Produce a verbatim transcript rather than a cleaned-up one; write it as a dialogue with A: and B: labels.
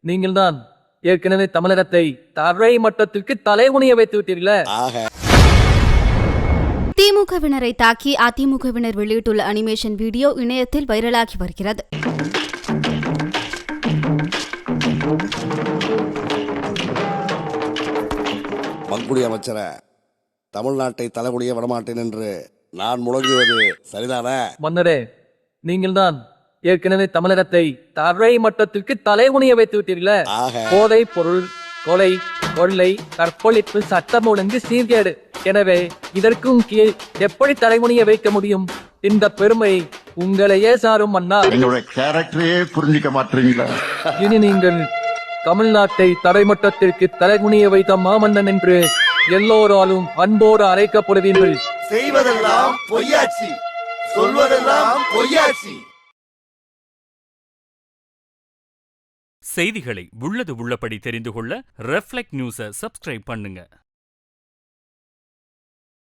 A: நீங்கள்தான் ஏற்கனவே தமிழகத்தை தரை மட்டத்திற்கு தலைகுனிய வைத்து விட்டீர்களே.
B: திமுகவினரை தாக்கி அதிமுகவினர் வெளியிட்டுள்ள அனிமேஷன் வீடியோ இணையத்தில் வைரலாகி வருகிறது.
C: மங்குடி அமைச்சர தமிழ்நாட்டை தலைகுனிய விடமாட்டேன் என்று நான் முழங்குவது சரிதானே?
A: மன்னரே, நீங்கள்தான் ஏற்கனவே தமிழகத்தை தரை மட்டத்திற்கு தலைகுனிய வைத்து விட்டீர்களே. போதை பொருள், கொலை, கொள்ளை, கற்பழிப்பு, சட்டம் ஒழுங்கு சீர்கேடு. எனவே இதற்கும் கீழ் எப்படி தலைகுனிய வைக்க முடியும்? இந்த பெருமை உங்களையே சாரும் மன்னா.
D: கேரக்டரையே புரிஞ்சிக்க மாட்டீங்களா?
A: இனி நீங்கள் தமிழ்நாட்டை தரைமட்டத்திற்கு தலைகுனிய வைத்த மாமன்னன் என்று எல்லோராலும் அன்போடு அழைக்கப்படுவீர்கள்.
E: செய்வதெல்லாம் பொய்யாச்சி, சொல்வதெல்லாம் பொய்யாச்சி.
F: செய்திகளை உள்ளது உள்ளபடி தெரிந்து கொள்ள ரெஃப்ளெக்ட் நியூஸை சப்ஸ்கிரைப் பண்ணுங்க.